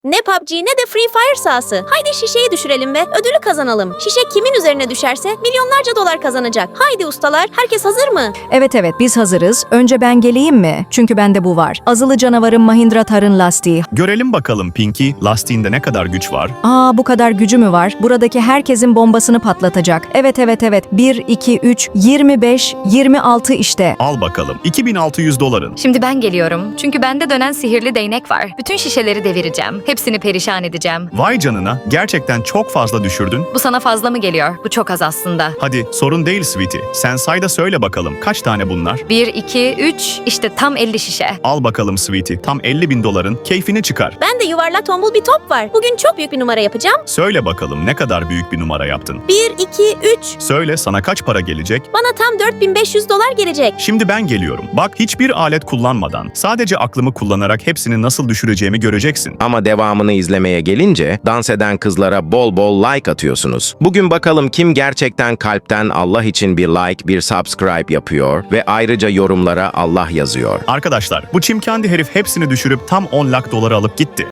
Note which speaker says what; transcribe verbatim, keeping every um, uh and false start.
Speaker 1: Ne P U B G ne de Free Fire sahası. Haydi şişeyi düşürelim ve ödülü kazanalım. Şişe kimin üzerine düşerse milyonlarca dolar kazanacak. Haydi ustalar, herkes hazır mı?
Speaker 2: Evet evet biz hazırız. Önce ben geleyim mi? Çünkü bende bu var. Azılı canavarın Mahindra Thar'ın lastiği.
Speaker 3: Görelim bakalım Pinky, lastiğinde ne kadar güç var?
Speaker 2: Aa bu kadar gücü mü var? Buradaki herkesin bombasını patlatacak. Evet evet evet. bir, iki, üç, yirmi beş, yirmi altı işte.
Speaker 3: Al bakalım, iki bin altı yüz doların.
Speaker 4: Şimdi ben geliyorum. Çünkü bende dönen sihirli değnek var. Bütün şişeleri devireceğim. Hepsini perişan edeceğim.
Speaker 3: Vay canına, gerçekten çok fazla düşürdün.
Speaker 4: Bu sana fazla mı geliyor? Bu çok az aslında.
Speaker 3: Hadi, sorun değil Sweetie. Sen say da söyle bakalım, kaç tane bunlar?
Speaker 4: bir, iki, üç, işte tam elli şişe.
Speaker 3: Al bakalım Sweetie, tam elli bin doların keyfini çıkar.
Speaker 1: Ben de yuvarlak tombul bir top var. Bugün çok büyük bir numara yapacağım.
Speaker 3: Söyle bakalım ne kadar büyük bir numara yaptın?
Speaker 1: bir, iki, üç.
Speaker 3: Söyle, sana kaç para gelecek?
Speaker 1: Bana tam dört bin beş yüz dolar gelecek.
Speaker 3: Şimdi ben geliyorum. Bak, hiçbir alet kullanmadan, sadece aklımı kullanarak hepsini nasıl düşüreceğimi göreceksin.
Speaker 5: Ama devamını izlemeye gelince dans eden kızlara bol bol like atıyorsunuz. Bugün bakalım kim gerçekten kalpten Allah için bir like, bir subscribe yapıyor ve ayrıca yorumlara Allah yazıyor.
Speaker 3: Arkadaşlar, bu çimkendi herif hepsini düşürüp tam on lak doları alıp gitti.